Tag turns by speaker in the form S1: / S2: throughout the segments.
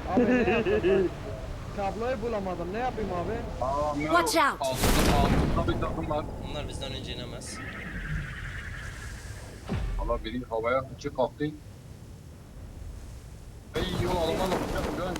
S1: Abi ne yapayım ben? Kabloyu bulamadım. Ne yapayım abi?
S2: Aa,
S3: Watch out.
S2: altında bir takım var.
S4: Onlar bizden önce inemez.
S2: Valla biri havaya iki kalktı. Ey yol alman lazım.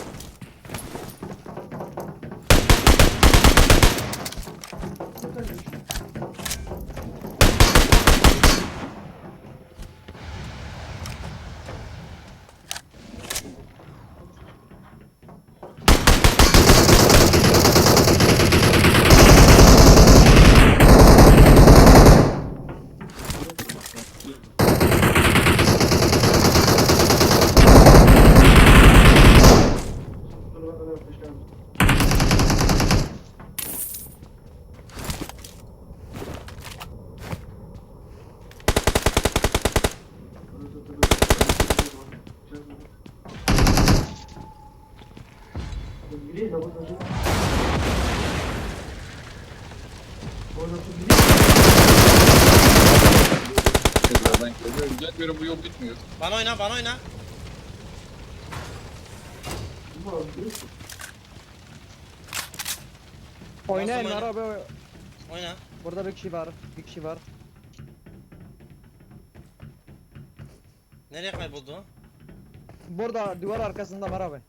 S2: Nereden geliyor? Gelmiyorum, bu yol bitmiyor.
S4: Bana oyna, bana oyna.
S1: Oynayın
S4: oyna?
S1: abi.
S4: Oyna.
S1: Burada bir kişi var. Bir kişi var.
S4: Nereye kayboldu o?
S1: Burada duvar arkasında var abi.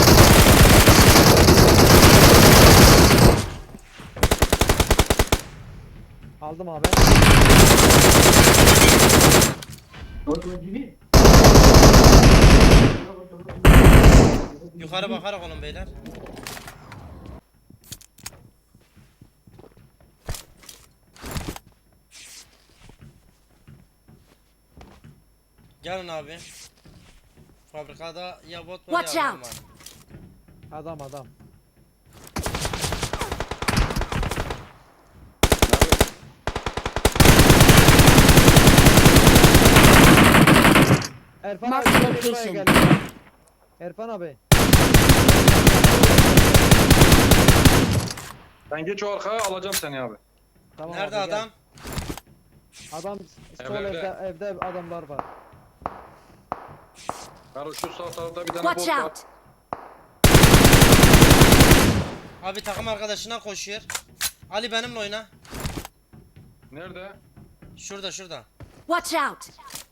S1: Aldım abi.
S4: Yukarı bakarak olun beyler. Gelin abi. Fabrikada ya bot var
S3: Watch
S4: ya adam
S3: out.
S4: var.
S1: Adam. Erfan
S3: Mark
S1: abi buraya
S3: location.
S1: geldi. Erfan abi.
S2: Sen geç o arkaya, alacağım seni abi.
S1: Tamam
S4: Nerede
S1: abi, gel.
S4: adam?
S1: Adam sol
S2: Evde.
S1: evde adamlar var.
S2: Karo şu sağ tarafta bir tane
S3: Watch
S2: bot var.
S3: out.
S4: Abi takım arkadaşına koşuyor. Ali benimle oyna.
S2: Nerede?
S4: Şurada şurada.
S3: Watch out.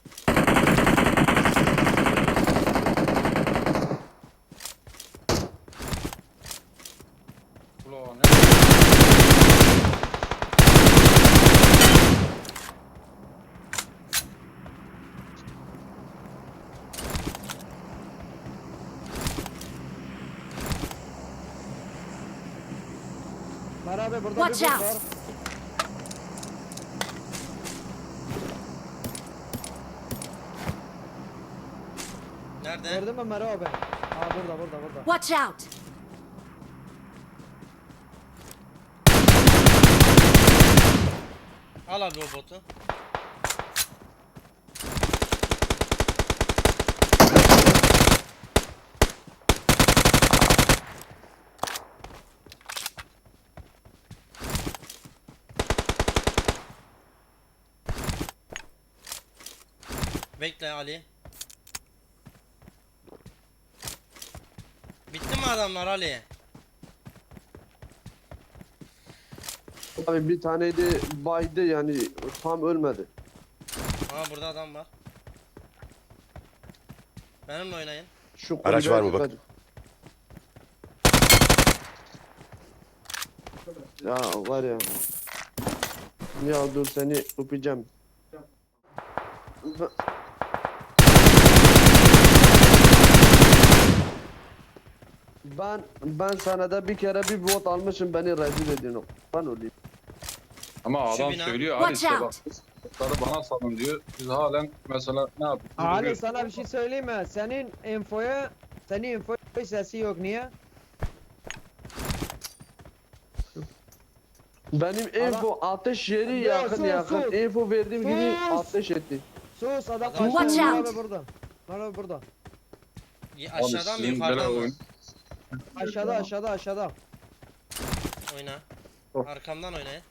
S2: Ulan nerede?
S1: Var abi burada
S3: Watch
S1: bir bot
S3: out.
S1: var.
S4: Nerede?
S1: Gördün mü Mero abi? Aa burada.
S3: Watch out.
S4: Al abi o botu. Bekle Ali. Bitti mi adamlar Ali?
S5: Abi bir taneydi baydı yani tam ölmedi.
S4: Ha burada adam var. Benimle oynayın.
S5: Şu
S6: Araç
S5: kulübeye
S6: var mı bak?
S5: dikkat. Ya var ya. Ya dur seni öpeceğim. Ben sana da bir kere bir bot almışım, beni rezil ediyorsun. Ben olayım.
S2: Ama
S4: Şu
S2: adam
S4: bina.
S2: söylüyor Ali
S3: Watch
S2: işte
S3: out.
S2: bak. Botları bana salın diyor. Biz halen mesela ne yapıyoruz?
S1: Ali
S2: Duruyoruz.
S1: sana bir şey söyleyeyim mi? Senin infoya sesi yok, niye?
S5: Benim info ateş yeri
S1: Ya
S5: yakın
S1: sus,
S5: yakın.
S1: sus.
S5: Info verdiğim gibi
S1: Sus.
S5: ateş etti.
S1: Sus adam
S4: Adam-
S1: kaçtı.
S3: Watch
S1: Mero
S3: out.
S1: abi burada. Mero abi burada.
S2: Abi
S4: Aşağıdan mı
S2: sizin
S4: yukarıdan
S2: böyle
S4: mı?
S2: oyun.
S1: Aşağıda.
S4: Oyna.
S2: Oh.
S4: Arkamdan oynayın.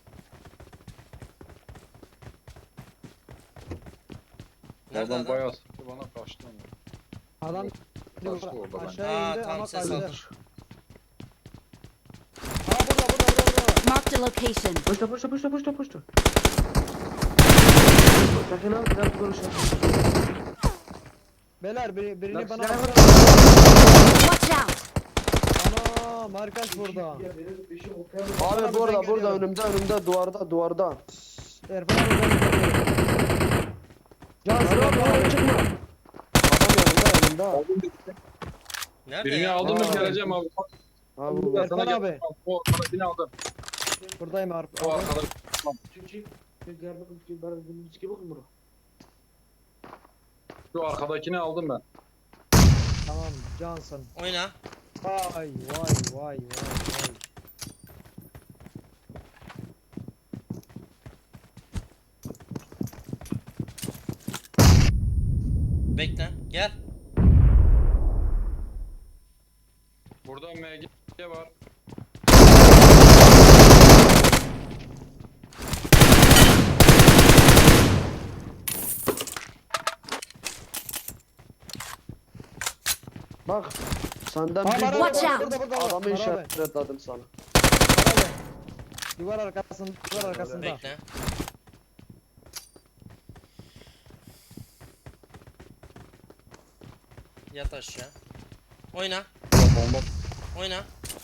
S4: Nerede
S2: Adam
S4: adam?
S2: bayağı bana kaçtı ama.
S1: Adam
S2: Kaçtı orada ben.
S1: aşağı indi
S4: Tamam
S1: ama
S4: ses
S1: kaçtı.
S4: aldım.
S1: Ha burada.
S3: Marked a location.
S5: Poşta. Sakin ol, biraz konuşalım.
S1: Beyler birini
S5: Lan
S1: bana
S5: silah var.
S3: Watch out!
S1: Ana markas burada.
S5: Abi burada önümde duvarda.
S1: Erfan abi ben gidiyorum. Can
S5: Abi oraya çıkma. Adam yanında.
S4: Nerede
S2: Birini
S4: ya?
S2: aldım mı
S5: Aa.
S2: geleceğim abi.
S5: Abi bu.
S1: Erfan
S2: Sana
S1: abi.
S2: geleceğim. O arkadakini aldım.
S1: Buradayım abi.
S2: O arkada. Şu arkadakini aldım ben.
S1: Tamam Johnson.
S4: Oyna.
S1: Vay.
S4: Bekle. Gel.
S2: Burada MG var.
S5: Bak. Senden
S1: Ha,
S5: bir
S1: var,
S3: Watch
S1: var,
S3: out.
S1: burada.
S5: adamı
S1: Var abi.
S5: işaretledim sana.
S1: Var abi. Duvar arkasında.
S4: Bekle. Yat aşağı. Oyna.
S2: Bomba.
S4: Oyna.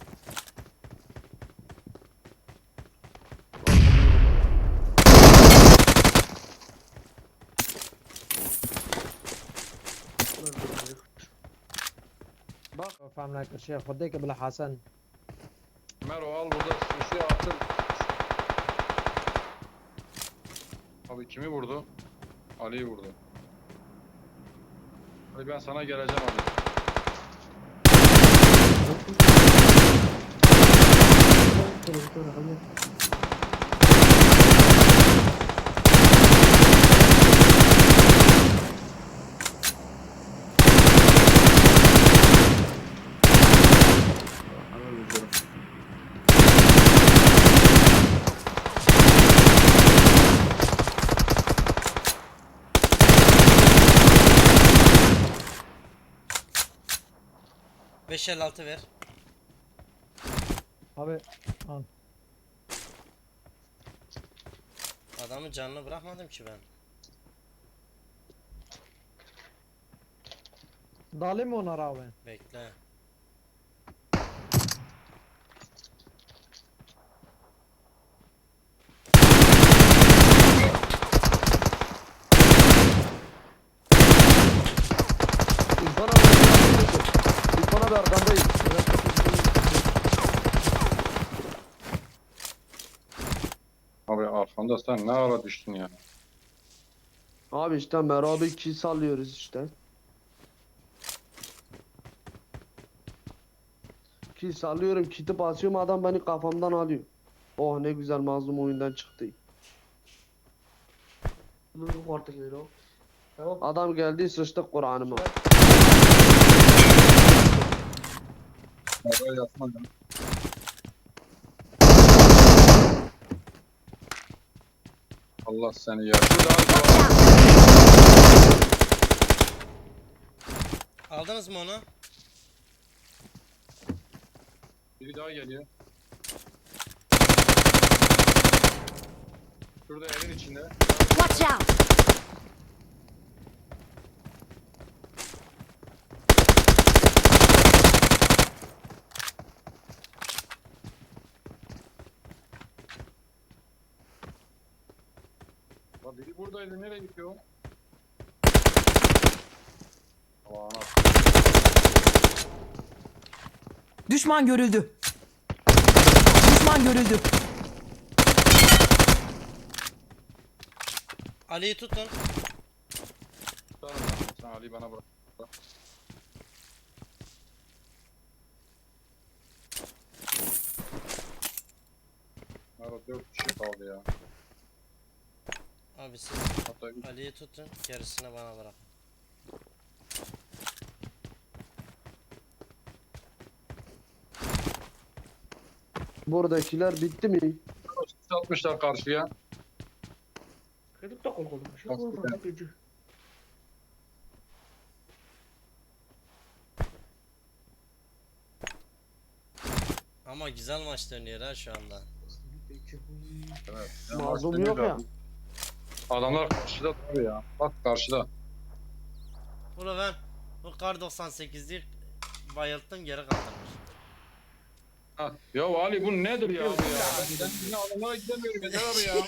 S5: Bak.
S1: فاهم لك الشيخ خديك بلا حسن.
S2: Mero al burada ışığı attım. Abi kimi vurdu? Ali'yi vurdu. Hadi ben sana geleceğim abi.
S4: Beş el altı ver.
S1: Abi al.
S4: Adamın canını bırakmadım ki ben.
S1: Dalayım mı ona abi?
S4: Bekle.
S5: İrfan abi arkandayım.
S2: Abi arkanda sen ne ara düştün ya?
S5: Abi işte Merab'i kill sallıyoruz işte. Kill sallıyorum, kit'i basıyorum, adam beni kafamdan alıyor. Oh ne güzel mazlum oyundan çıktı. Adam geldi sıçtık Kur'an'ıma.
S2: Mero'ya yatma ya. Allah seni ya. Şurada abi
S3: Watch
S2: var.
S3: out!
S4: Aldınız mı onu?
S2: Biri daha geliyor. Şurada evin içinde.
S3: Watch out!
S2: Bak biri buradaydı. Nereye gidiyor? Aman
S6: Düşman görüldü. Düşman görüldü.
S4: Ali'yi tutun.
S2: tutarım ben. Sen Ali'yi bana bırak. Mero 4 kişi kaldı ya.
S4: Abi siz
S2: Hatta 3.
S4: Ali'yi tutun. Gerisini bana bırak.
S5: Buradakiler bitti mi?
S2: Atmışlar karşıya.
S4: Ama güzel maç dönüyor ha şu anda.
S2: Evet.
S5: Mazlum yok ya.
S2: Adamlar karşıda tabii ya. Bak karşıda.
S4: Ula ben bu kar 98'lik bayılttım geri kaldırmış.
S2: Ha. Ya Ali bu nedir ya? Bu ya? Ben yine adamlara gidemiyorum yeter abi ya.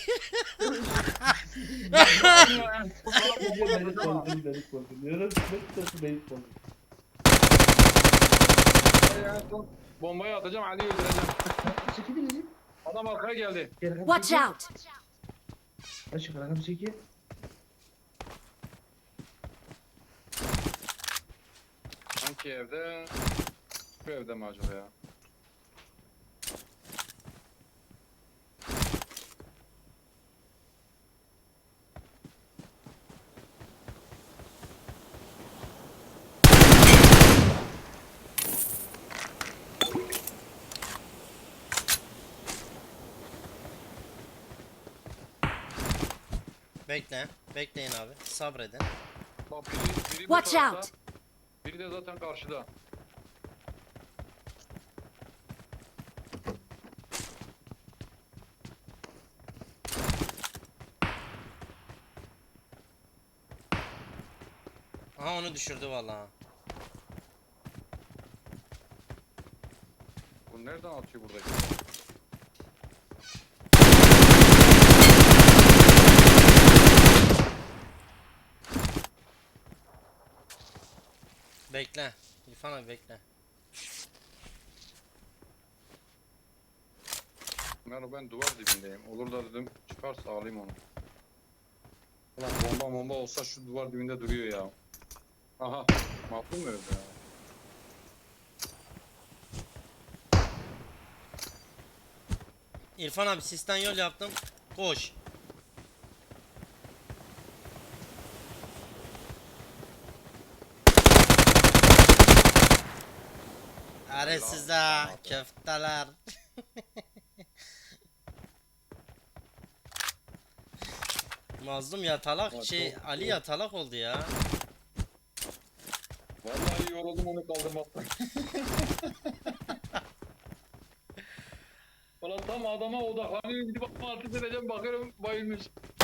S2: Bombayı atacağım Ali'yi öldüreceğim. Adam arkaya geldi.
S3: Watch out!
S2: Hangi evde? Şu evde mi acaba ya?
S4: Bekle. Bekleyin abi. Sabredin.
S2: Bak biri bu
S3: Watch
S2: tarafta,
S3: out!
S2: biri de zaten karşıda.
S4: Aha onu düşürdü vallahi.
S2: Bu nereden atıyor buradaki?
S4: Bekle. İrfan abi bekle.
S2: Ben duvar dibindeyim. Olur da dedim çıkarsa alayım onu. Ulan bomba olsa şu duvar dibinde duruyor ya. Aha. Mahkum mu öldü ya?
S4: İrfan abi sistem yol yaptım. Koş. Are size köfteler. Mazlum yatalak şey Ali yatalak oldu ya.
S2: Vallahi yoruldum onu kaldırmaktan. Ulan tam adama odaklanıyorum gidip atma ateş edeceğim bakıyorum bayılmış.